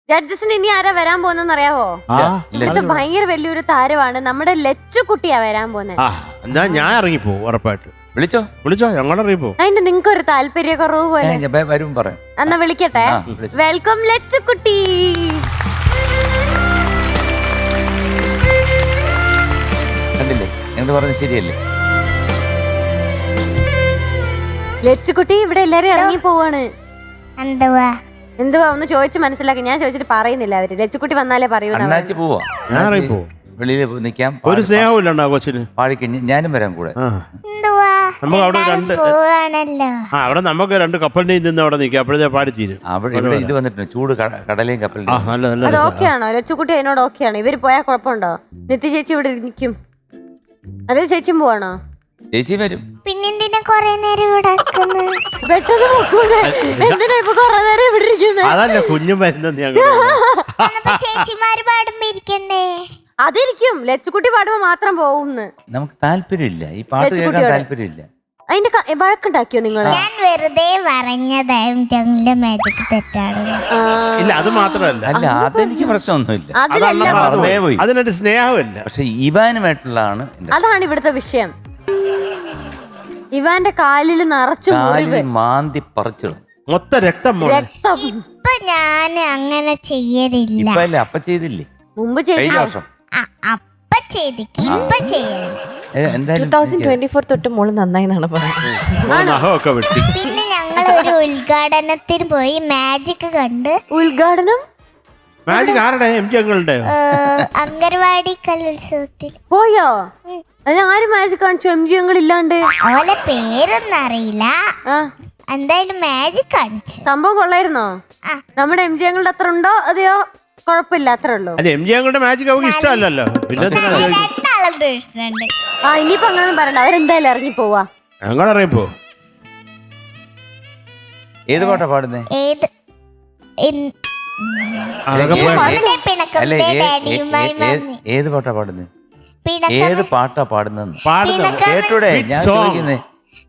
ജഡ്ജസിന് ഇനി ആരാ വരാൻ പോകുന്നെന്ന് അറിയാവോ? ഇവിടുത്തെ ഭയങ്കര വലിയൊരു താരമാണ് നമ്മുടെ ലച്ചുകുട്ടിയാ വരാൻ പോകുന്നത്. എന്നാ ഞാൻ ഇറങ്ങിപ്പോ ഉറപ്പായിട്ട്. വിളിച്ചോ ഞങ്ങൾ ഇറങ്ങിപ്പോ. അതിന് നിങ്ങൾക്ക് ഒരു താല്പര്യക്കുറവ് പോലെ വരും പറയാം. എന്നാ വിളിക്കട്ടെ. വെൽക്കം ലച്ചുകുട്ടി. കണ്ടില്ലേ എന്ത് പറഞ്ഞു ശരിയല്ലേ? ലച്ചുകുട്ടി ഇവിടെ എല്ലാരും ഇറങ്ങി പോവാണ്. എന്തുവാ ഒന്ന് ചോദിച്ചു മനസ്സിലാക്കി. ഞാൻ ചോദിച്ചിട്ട് പറയുന്നില്ല അവര്. ലച്ചുകുട്ടി വന്നാലേ പറയൂ. അണ്ണാച്ചി പോവാ. ഞാൻ ഇറങ്ങിപ്പോ. വെളിയിൽ നിൽക്കാം. ഒരു സ്നേഹമില്ല കൊച്ചിന്. പാടിക്കഴിഞ്ഞ് ഞാനും വരാം കൂടെ. നമുക്ക് അവിടെ അവിടെ നമുക്ക് 2 കപ്പലിന്റെയും നിന്ന് അവിടെ നിൽക്കാം. അപ്പോഴത്തെ പാടിച്ചീരും. അവിടെ ഇത് വന്നിട്ടുണ്ട് ചൂട് കടലയും കപ്പലിന്റെയും. അത് ഓക്കെയാണോ? ലച്ചുകുട്ടി അതിനോട് ഓക്കെയാണോ? ഇവര് പോയാൽ കുഴപ്പമുണ്ടോ? നിത്യ ചേച്ചി ഇവിടെ നിൽക്കും. അതിൽ ചേച്ചിയും പോവാണോ? ചേച്ചി വരും. പിന്നെന്തിനാ കൊറേ നേരം ഇവിടെ അതല്ല കുഞ്ഞും വരുന്നത്. ചേച്ചിമാര് പാടുമ്പോ ഇരിക്കണ്ടേ? അതിരിക്കും. ലച്ചുകുട്ടി പാടുമ്പോ മാത്രം പോകുന്നു. നമുക്ക് താല്പര്യമില്ല ഈ പാട്ട് കേൾക്കാൻ. താല്പര്യമില്ല. അതിന്റെ വഴക്കുണ്ടാക്കിയോ നിങ്ങള്? ഞാൻ വെറുതെ പറഞ്ഞതായും ജംഗിലെ മാജിക് തെറ്റാണ്. ഇല്ല അത് മാത്രമല്ല. അല്ല അതെനിക്ക് പ്രശ്നമൊന്നുമില്ല. പോയി അതിനൊരു സ്നേഹമില്ല. പക്ഷെ ഇവാനുമായിട്ടുള്ളതാണ്. അതാണ് ഇവിടുത്തെ വിഷയം. ഇവാന്റെ കാലിൽ നിറച്ചു മാന്തി പറിച്ചു മൊത്തം രക്തം. ഇപ്പൊ ഞാൻ അങ്ങനെ ചെയ്യലില്ല. അപ്പ ചെയ്തില്ലേ മുമ്പ് വർഷം? അപ്പ ചെയ്തിക്ക് ഇപ്പൊ ചെയ്യണം. 2024 തൊട്ട് മോള് നന്നായി എന്നാണ് പറയുന്നത്. പിന്നെ ഞങ്ങൾ ഒരു ഉദ്ഘാടനത്തിന് പോയി മാജിക് കണ്ട്. ഉദ്ഘാടനം അംഗൻവാടി കലോത്സവത്തിൽ പോയോ? അത് ആര് മാജിക് കാണിച്ചു? MG ഇല്ലാണ്ട്. അവളെ പേരൊന്നും അറിയില്ല. എന്തായാലും മാജിക് കാണിച്ചു. സംഭവം കൊള്ളായിരുന്നോ? നമ്മുടെ MG അത്ര ഉണ്ടോ അതെയോ കുഴപ്പമില്ല അത്രേ ഉള്ളൂ? MG മാജിക് അവർക്ക് ഇഷ്ടമല്ലല്ലോ. പിന്നെ ഇഷ്ടമുണ്ട്. ഇനിയിപ്പോ അങ്ങനൊന്നും പറയണ്ട. അവരെന്തായാലും ഇറങ്ങി പോവാ. ഞങ്ങൾ ഇറങ്ങിപ്പോ. ഏത് പാട്ടാ പാടുന്നേ? ഏത് പാട്ടാ പാടുന്നേ? ഏത് പാട്ടാ പാടുന്ന കേട്ടൂടെ? ഞാൻ ചോദിക്കുന്നേ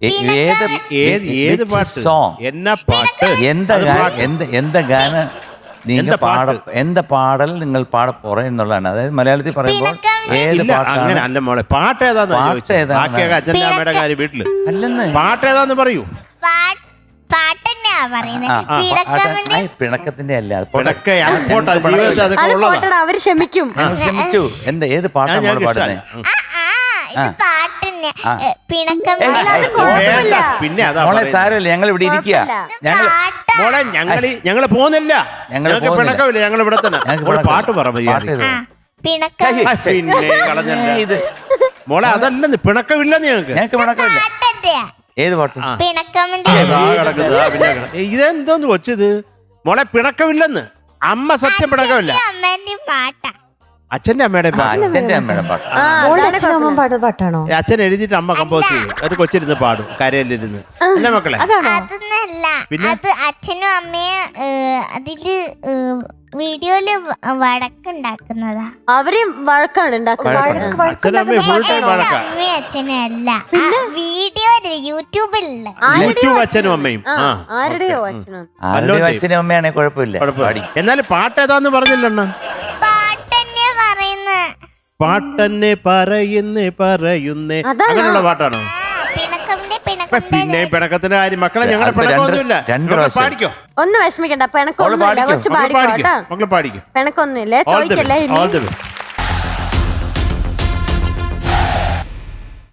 ഏത് പാട്ട്? എന്നാ പാട്ട്? എന്താ ഗാന എന്താ പാടൽ നിങ്ങൾ പാട എന്നുള്ളതാണ്. അതായത് മലയാളത്തിൽ പറയുമ്പോൾ ഏത് അങ്ങനെ അല്ല മോളെ. പാട്ട് ഏതാന്ന് അച്ഛൻ്റെ അമ്മയുടെ കാര്യം വീട്ടില് അല്ലെന്ന്. പാട്ട് ഏതാന്ന് പറയൂ. പിണക്കത്തിന്റെ അല്ല. അവര് ക്ഷമിക്കും. ക്ഷമിച്ചു. ഏത് പാട്ടാണ് നമ്മൾ പാടുന്നത്? മോളെ സാരമില്ല, ഞങ്ങൾ ഇവിടെ ഇരിക്കുക. മോളെ ഞങ്ങള് പോകുന്നില്ല. ഞങ്ങൾക്ക് പിണക്കമില്ല. ഞങ്ങൾ ഇവിടെ തന്നെ. പാട്ട് പറ. പിന്നെ കളഞ്ഞല്ല ഇത് മോളെ. അതല്ലെന്ന് പിണക്കമില്ലെന്ന് ഞങ്ങൾക്ക് പിണക്കമില്ല. ഏത് പാട്ട്? ഇതെന്തോന്ന് കൊച്ചത് മോളെ? പിണക്കമില്ലെന്ന്. അമ്മ സത്യം പിണക്കമില്ല. അച്ഛന്റെ അമ്മയുടെ പാട്ടാണോ? അച്ഛൻ എഴുതിയിട്ട് അമ്മ കമ്പോസ് ചെയ്യും. അത് കൊച്ചിരുന്ന് പാടും കരയിലിരുന്ന്. അല്ല മക്കളെ? അതൊന്നല്ല. അത് അച്ഛനും അമ്മയും അതില് വീഡിയോയില് വഴക്കുണ്ടാക്കുന്നതാ. അവര് വഴക്കാണ് ഉണ്ടാക്കുന്നത്. അച്ഛനും അല്ല. വീഡിയോയില് യൂട്യൂബിലുള്ള അച്ഛനും അമ്മയും. ആരുടെയോ അച്ഛനും അച്ഛനും അമ്മയാണെ കുഴപ്പമില്ല. എന്നാലും പാട്ട് ഏതാന്ന് പറഞ്ഞില്ലണ്ണ. പാട്ടന്നെ പറയുന്നേ അങ്ങനെയുള്ള പാട്ടാണോ? പിന്നെ പിണക്കത്തിന്റെ കാര്യം മക്കളെ ഞങ്ങളുടെ പിണക്കൊന്നുമില്ല. പാടിക്കോ. ഒന്ന് വിഷമിക്കണ്ട. പിണക്കൊന്നുമില്ല. കൊച്ചു പാടിക്കോ. മക്കളെ പാടിക്കോ. പിണക്കൊന്നുമില്ല. ചോദിക്കല്ലേ.